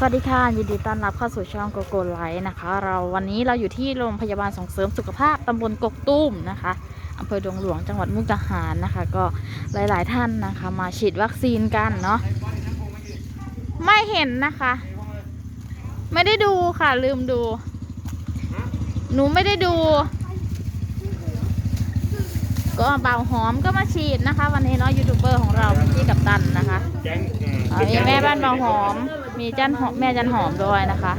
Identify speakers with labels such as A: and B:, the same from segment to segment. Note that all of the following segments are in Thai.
A: วัสดีค่ะยินดีต้อนรับเข้าสู่ช่องโกโก้ไลฟ์นะคะวันนี้เราอยู่ที่โรงพยาบาลส่งเสริมสุขภาพตำบลกกตูมนะคะอำเภอดงหลวงจังหวัดมุกดาหารนะคะก็หลายๆท่านนะคะมาฉีดวัคซีนกันเนาะไม่เห็นนะคะ ไม่ได้ดูค่ะลืมดูหนูไม่ได้ดูก็เบาหอมก็มาฉีดนะคะวันนี้เนาะยูทูบเบอร์ของเราพี่กัปตันนะคะมีแม่บ้านเบาหอมมีจันหอมแม่จันหอมด้วยนะคะ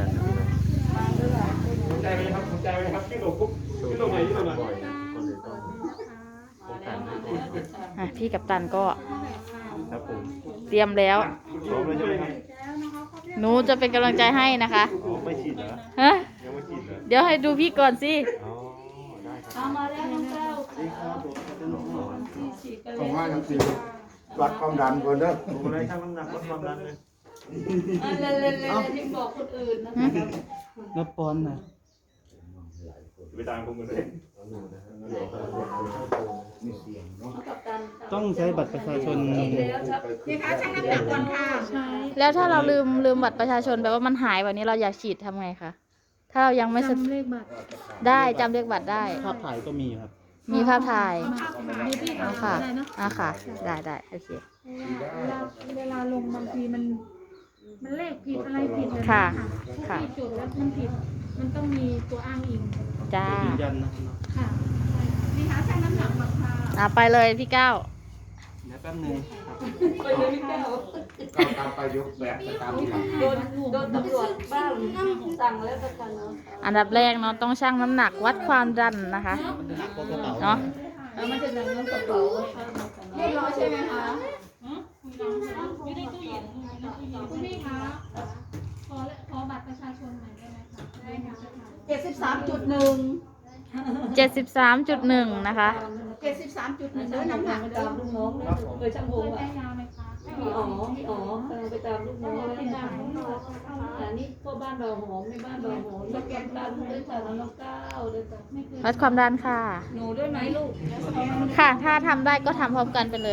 A: พี่กัปตันก็เตรียมแล้วหนูจะเป็นกำลังใจให้นะคะ
B: ไม่ฉีดเหรอ
A: ฮะ
B: ยังไม่ฉีดเหรอ
A: เดี๋ยวให้ดูพี่ก่อนสิ
C: เอามาแล้วน้องเก้า
D: ผมว่ายังสิวัดความดันก่อนเด้อ
B: ผมอะไรช่างน้ำหนักวัดความดันเลย
C: เล่นๆที่บอกคนอื่นนะคะ
E: นับปอนนะ
B: ไปตามผมกันเลย
D: มีเสียงเนาะ
E: ต้องใช้บัตรประชาชน
C: พี่คะช่างน้ำหนักก่อนค่ะใช่
A: แล้วถ้าเราลืมบัตรประชาชนแบบว่ามันหายวันนี้เราอยากฉีดทำไงคะถ้าเรายังไม่จำเลขบัตรได้จำเลขบัตรได้
E: ภาพถ่ายก็มีครับ
A: มีภาพถ่าย
C: มีพี่
A: อ๋อค่ะอ่ะค่ะได้โอเค
F: เวลาลงบางทีมันเลขผิดอะไรผิดเลย
A: ค่ะ
F: ค่ะที่จุดแล้วมันผิด มันต้องมีตัวอ้างอิง
A: จ้า
E: ยืนยันนะ
F: ค่ะ
C: พี่คะช่างน้ำหนักก่อนค่ะ
A: ไปเลยพี่ก้าว
E: เดี๋ยวแป๊บนึงครับ
C: ไปเลยพี่เก้า
D: ก็ตามไปยกแบบตามที่ทำ
C: โดนตำรวจบ้านสั่งแล้วประกันเนาะ
A: อันดับแรกเนาะต้องชั่งน้ำหนักวัดความดันนะคะ
E: หนักก็กระเป๋า
A: เนาะ
C: แล้วมันจะดังน้ำกระเป๋าเรียบร้อยใช่ไหมคะ
F: คุณพี่คะขอบัตรประชาชนหน่อยได้ไหมคะได้ค่ะ
C: 73.1
A: 73.1นะคะ
C: 73.1เด้อน้ำหนักไปตามลูกน้องเลยช่างวง
F: ได้
C: อ่ะ
F: ยาไหมคะ
C: พี่อ๋อไปตามลูกน้องเลยอันนี้ก็บ้านเราหอมในบ้านเราหอมสแกนดันด้วยค่ะน้องเก้าด้วยค่ะ
A: วัดความดันค่ะ
C: หนูด้วยไหมลูก
A: ค่ะ ถ้าทำได้ก็ทำพร้อมกันไปเลย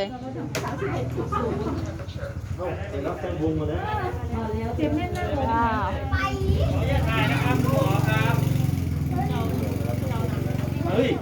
B: ไปรับช่างวงมาแล้ว
F: เตรียมเล่นนะ
A: ว้าว
B: เฮ้ย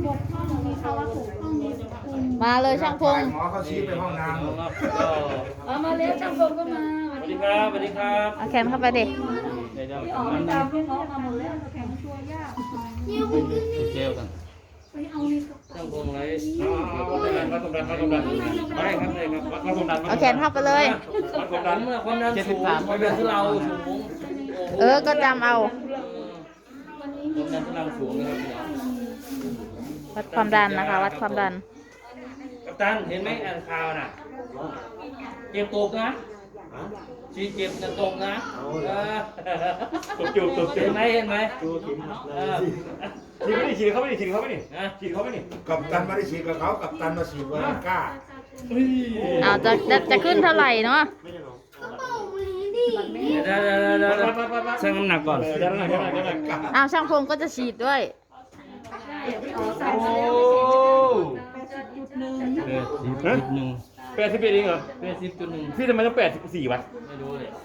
A: มาเลยช่างพง
D: หมอเขาชี้ไปห้องน้ำ
C: เอามาแล้วช่างพงก็มา
B: สวัสดีครับสวัสดีครับ
A: เอาแขนเข้าไปดิ
E: เดี๋ยว
C: พี่อ๋อไปตามพี่น้องมาหมดแล้ว
F: แข็งตัวยาก
E: เจลกัน
F: ไปเอานี่ก็
B: ช่างวงไรวัดความดันวัดความดันได้ครับได้ครับวัดความดัน
A: เอาแขนเข้าไปเลย
B: วัดความดัน
E: ความดันสูงความดันที่เราสูง
A: ก็จำเอา
E: ความดันที่เราสูงนะครับ
A: วัดความดันนะคะ วัดความดัน
G: กัปตันเห็นไหมอ่านข่าวน่ะเจ็บตกนะชีเจ็บจะตกนะ
B: ตบจูบ
G: เห็นไหม
B: ฉีดไม่ได้ฉีดเขาไม่ได้ฉีดเขาไม่ได้
G: นะ
B: ฉีดเขาไม่ได้
D: กับตันมาได้ฉีดกับเขากับตันมาฉีดวาริก้า
A: เอาจะขึ้นเท่าไหร่เนาะ
B: ไม่ใช่หรอ
G: เดี๋ยวชั่งน้ำหนักก่อน
B: เดี๋ยวหน่อย
A: เอาช่างพงก็จะฉีดด้วย
G: โอ้
E: 80.1
B: 81เองเหรอ
E: 80.1
B: พี่ทำไมต้อง84วะ
E: ไม่รู้เลย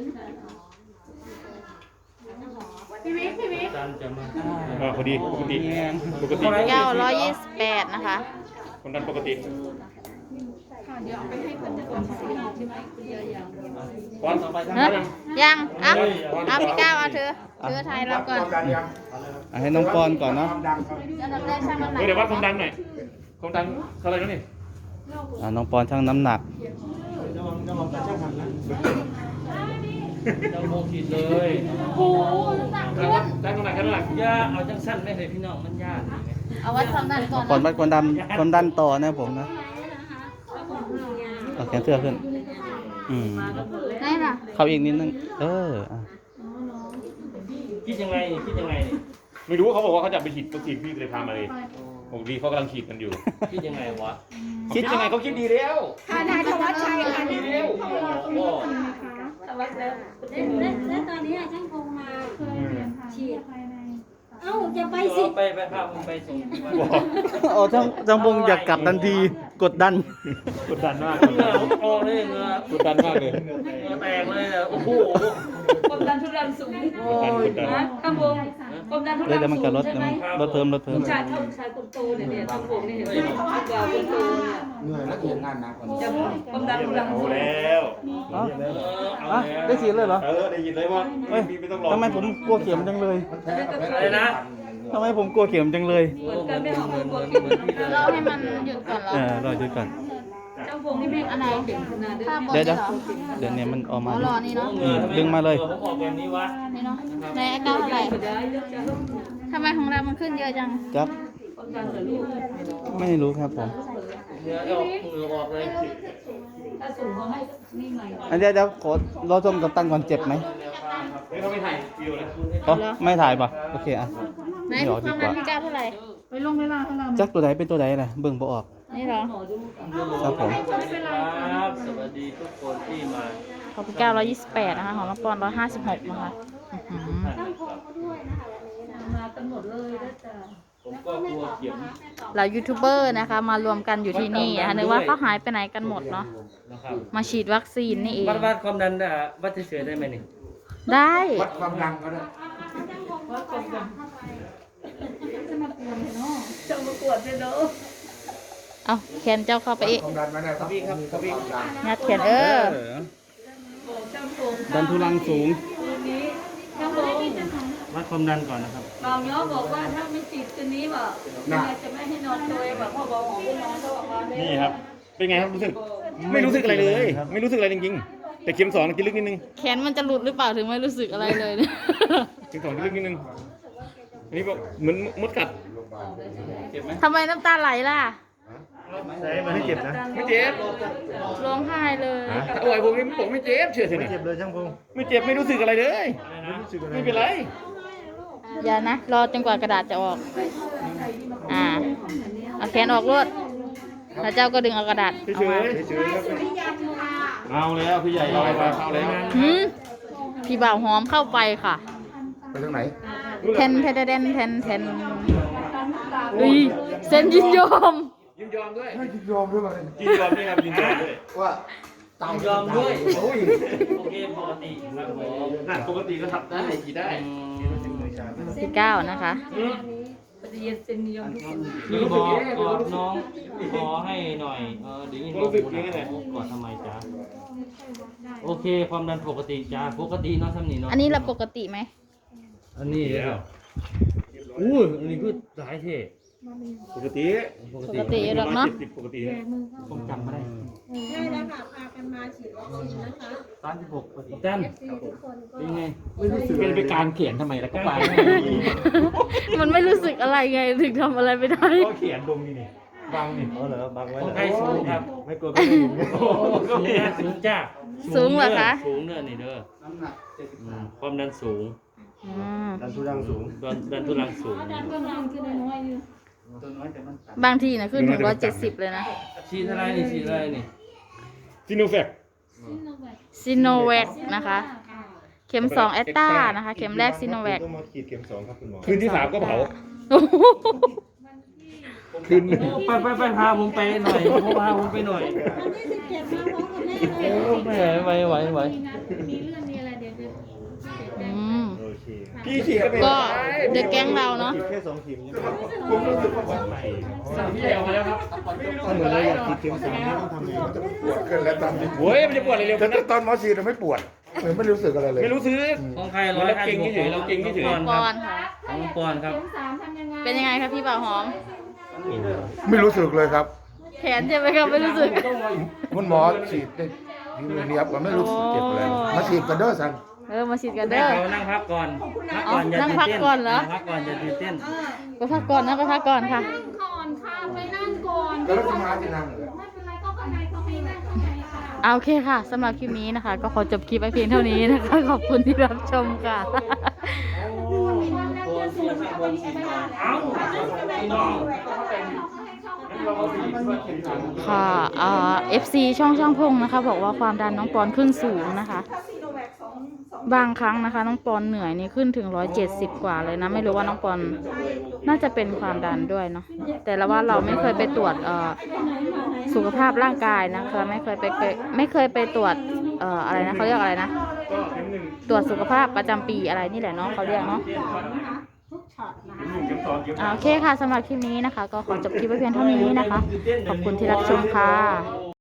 F: พี่วิทย์
E: จานจะมา
B: พอดีปกติ
A: 928นะคะ
B: ความดันปกติ
F: ค่ะเดี๋ยวเอาไปให้คนจะก่อนใช่ไหม
B: ก้อน
E: ต่อไป
A: เนอะยังเอาพี่ก้าวเอาเธอไทยเราก่อน
D: ความดันยัง
E: ให้น้องปอนก่อนเนาะ
D: ความดันครับ
A: อันดับแรกช่างน้ำหนัก
B: เดี๋ยววัดความดันหน่อยความดันเท่าไหร่แล้วนี่
E: น้องปอนชั่งน้ำหนัก
G: เราโมขีดเลย
A: โอ้โหน้ำหนักขึ้น
B: ได้น้ำหนักแค่น้ำหนัก
G: ย่าเอาจังสั้นไม่เลยพี่น้องมันยาก
A: เอาวัดความดันก่อน
E: ก่อนวั
A: นะ
E: ดความดันต่อนะผมนะเอาแขนเสื้อขึ้น
A: ได้น่ะ
E: เข้าอีกนิดนึงอ่ะ
G: คิดยังไงนี่
B: ไม่รู้เขาบอกว่าเขาจะไปฉีดวัคซีนพี่เลยพามาเลยผมดีเขากำลังฉีดกันอยู่
G: คิดยังไงวะ
B: คิดยังไงเขาคิดดีแล้ว
C: ค่ะนายธวัชชัยค่ะ
B: ดีแล้ว
G: โอ้
C: ธวัชแล้ว
H: แล้วตอนนี้ช่างคงมา
F: เคยเรียนค่ะภายใน
H: เอ้าจะไปสิ
G: ไปพาผมไปส่งที่บ้าน
E: จังพงอยากกลับทันที
F: ภ
E: กดดัน
B: กดดันมาก
G: เหงื่อผมออกเลยเหงื่อก
B: ดดันมากเลย
G: เหงื่อแตกเลยเนี่ยโอ้โห
C: ความดันทุรังสูง
B: กดดันกดดัน
C: นะข้างบนความดันทุรัง
E: เดี๋ยวมัน
C: สู
E: ก็
C: ง
E: ลด
C: ใช่ไหม
E: ลดเพิ่ม
C: ผู้ชายเท่าผู้ชายคนโตเนี่ยทางผมเนี่ยเห็นไหมกว่าคนโตเนี่ย
D: เหนื่อยแล้วเขียนงานหนักกว่านี้
C: จะความดันทุรัง
B: เอา
C: สูง
B: แล้ว
E: อ๋อ
G: เอา
E: อ่ะ
G: แล้ว
E: ได้ฉีดเลยเหรอ
B: ได้ยินเลยว่า
E: เฮ้ย
B: ไม่ต้องรอ
E: ทำไมผมกลัวเข็มจังเลย
D: มันแพ้กับแพ้
G: อะไรนะ
E: ทำไมผมกลัวเข็มจังเลย
C: เหมือนกันไม่หอมเหมือนคนกินเหมือนกัน
A: เราให้มันหยุดก่อนเหรอ
E: รอดูก่อน
C: เจ้าพงนี่ไม่อะไรเก่งขนาดเดิ
A: ภาพ
C: ม
A: บน
E: เดี๋ยว
A: นี่เหรอ
E: เดี๋ยวเนี่ยมันออก
A: อ๋
E: มา
A: อรอนี่เนาะ
E: ดึงมาเลย
G: ผมออกแบบนี้วะ
A: นี่เนาะในไอ้เก้าเท่าไหร่
C: ได้เยอะจัง
A: ทำไมของเรามันขึ้นเยอะจัง
E: ครับ
C: ความดันเหรอลูก
E: ไม่รู้ครับผม
G: เหงื่อออกเลย
C: ถ้าสูงเขาให้นี่ใหม่
E: อันเดี๋ยวขอรอชมกับตันก่อนเจ็บไหม
B: เฮ้ยเขาไม่ถ่ายวิวเลย
E: อ๋อไม่ถ่ายป่ะโอเคอ่ะ
A: ไหน
E: ไม่ออก
A: ค
E: ดี
A: วาม
E: ก
A: ดัน
E: ว่า
A: พี่เก้าเท่าไหร่
F: ไปลงเวลาเท่าไหร่
E: จักตัวไหนเป็นตัวไหนนะเบิ่งบ่ออก
A: นี่เหรอ
C: หมอดู
E: ครับผม
G: ครับสวัสดีทุกคนที่มา
A: ของพี่เก้า128นะคะของน้องปอน156นะคะอื้อหือ
C: มากันหมดเลยนะจ๊ะ
G: ผมก็กลัวเข็ม
A: เรายูทูบเบอร์นะคะ มารวมกันอยู่ที่นี่นะคะนึกว่าเขาหายไปไหนกันหมดเนาะ
G: นะครับ
A: มาฉีดวัคซีนนี่เอง
G: วัดความดันวัดเฉยๆได้ไหมนี่
A: ได้
D: วัดความดังก็ได้
C: จะมากวดเลยเนาะ
A: เอาแขนเจ้าเข้าไปอีก
D: ความดันมาได้ครับครับความดัน
A: งัดแขน
C: บอกเจ้าพง
E: ดันทุรังสูง
C: คืนนี้เจ้าพง
E: วัดความดันก่อนนะครับ
C: บางย้อบอกว่าถ้าไม่ฉีดคืนนี้แบบจะไม่ให้นอนตัวแบบพ่อบอกหอมนอนเขาบอกว่า
B: นี่ครับ เป็นไงครับรู้สึก ไม่รู้สึกอะไรเลย ไม่รู้สึกอะไรจริงๆ แต่เข็มสองกินลึกนิดนึง
A: แขนมันจะหลุดหรือเปล่าถึงไม่รู้สึกอะไรเลยเนี่ย
B: เข็มสองกินลึกนิดนึง อันนี้บอกเหมือนมดกัด
A: ทำไมน้ำตาไหลล่ะ
B: ไม่เจ็บนะ ไม่เจ็บ
A: ร้องไห้เลย
B: ถ้าอวยผมนี่บอกไม่เจ็บเชื่อสิไม่เจ็บเลยช่างพงไม่เจ็บไม่รู้สึกอะไรเลย ไม่เป็นไร
A: อย่านะ รอจนกว่ากระดาษจะออก เอาแขนออกรวดแล้วเจ้าก็ดึงเอากระดาษ
B: เฉ
A: เอามาย
B: ๆเฉยๆครับเอาแล้วพี่ใหญ่เอาไปเอาเลย
A: หืมพี่บ่าวหอมเข้าไปค่ะ
D: ไปทางไหน
A: แทนอุ้ยเซ็นยินยอม
B: ยินยอมด้วย
D: ให้ยินยอมด้วยมั้ย
B: ยินยอมด้วยครับยินยอมด้วย
D: ว่าตาย
G: ยอมด้วย
D: โอ้ย
G: โอเคปกติครับผม
B: น่ะปกติก็ทำได้กี่ได้
A: ที่เก้านะคะ
C: ปฏิเสธเซนยอมทุกคน
G: พี่บอกน้องขอให้หน่อยเดี๋ยวยินบอกก่อนทำไมจ๊ะโอเคความดันปกติจ้าปกติเนาะทำนี่เนาะ
A: อันนี้เราปกติไหม
G: อันนี้แล้วอู้อันนี้คือสายเท่
B: ปกติ
G: ปก
A: ป
G: ติ
A: กติหรอกเนาะ
B: ปกติ
G: ผมจำไม่ได้
H: ใช่แล้วค่ะพากันมาฉีดวัคซีนนะคะ
G: 36ปกติจ้นเป็นไง
B: ไม่รู้สึกเป็นไปการเขียนทำไมแล้วก็ไป
A: มันไม่รู้สึกอะไรไงถึงทำอะไรไม่ได้
B: ก็เขียนตรงนี้นี่บังนี่เหรอบังไว้
G: ของใครสูงครับ
B: ไม่กลัวไม่ถึง
G: สูงนะสูงจ้า
A: สูงเหรอคะ
G: สูงเด้อนี่เด้อความดันสูง
A: อืม
B: ดันทุรังสูง
G: ดันทุรังสูง
F: ก็นอนขึ้นน้อยอยู่
A: บางทีนะขึ้นถึง170เลยนะ
G: ฉีดอะไรนี่ฉีดอะไรนี่
B: ซิโนแฟค
A: ซิโนแวคนะคะ เข็ม2แอตตานะคะ เข็มแรกซิโนแวค
D: ต้องมาขีดเข็ม2ครับคุณหมอ
B: คืนที่3ก็เผา
A: โอ้โห
B: คืนหนึ่ง
G: ไปพาผมไปหน่อยพาผมไปหน่อย
H: วันที่17มาพร้อมกับแม่เลย
G: ไม่ไหว
F: มีเรื่องมีอะไรเดี๋ยวจะ
A: อืม
D: โอเค
B: พี่ฉีดก็เป็น
A: ก็เด็กแก๊งเราเนาะ
D: แค่2เข็มใช่ไหม
B: ผมรู้สึกว่าปลอดภัยพี่ใหญ่ออกมาแล้วครับ
D: ถ้าเหมือนเราอยากขีดเข็ม3นี่ต้องทำยังไงมันจะปวดเกินแล้วตอนนี้
B: โอ้ยมันจะปวดอะไรเร็วขนาดนั้น
D: ตอนหมอฉีดเราไม่ปวดเหมือนไม่รู้สึกอะไรเลย
B: ไม่รู้ซื้อ
G: ของใคร
B: เราเก่งเฉยเราเก่งเฉย
A: ปอนค่ะ
G: ของปอนครับ
F: เข็ม3ทำยังไง
A: เป็นยังไงครับพี่บ่าวหอม
D: ไม่รู้สึกเลยครับ
A: แขนใช่ไหมครับไม่รู้สึก
D: คุณหมอฉีดได้ทีมือเนียบก็ไม่รู้สึกเจ็บอะไรมาฉีดกันเด้อสัน
A: มาฉีดกัน
G: ได้
A: เด้อ
G: เขานั่งพักก่อนพักก่อนอย่า
A: นั่ง
G: ตื่น
A: พัก
G: เต้น
A: ก่อนเหรอ
G: พักก่อนอย่าตื่นเต้น
A: ไปพักก่อนนะไปพักก่อนค่ะ
F: นั่งก่อนค่ะไปนั่งก่อน
D: แล้วจะมาที่นั่งเลย
F: ไม่เป็นไรก็ข้างในเขาให้นั่งข้างในค่ะ
A: เอาโอเคค่ะสำหรับคลิปนี้นะคะ ก็ขอจบคลิปไปเพียงเท่านี้นะคะ ขอบคุณที่รับชมค่ะ
G: เอ้าพี่น้อง
A: ค่ะFC ช่องพงนะคะบอกว่าความดันน้องปอนขึ้นสูงนะคะ บางครั้งนะคะน้องปอนเหนื่อยนี่ขึ้นถึง170กว่าเลยนะไม่รู้ว่าน้องปอนน่าจะเป็นความดันด้วยเนาะแต่ละว่าเราไม่เคยไปตรวจสุขภาพร่างกายนะคะไม่เคยไปตรวจอะไรนะเขาเรียกอะไรนะตรวจสุขภาพประจำปีอะไรนี่แหละเนาะเขาเรียกเนาะโอเคค่ะสำหรับคลิปนี้นะคะก็ขอจบคลิปไว้เพียงเท่านี้นะคะขอบคุณที่รับชมค่ะ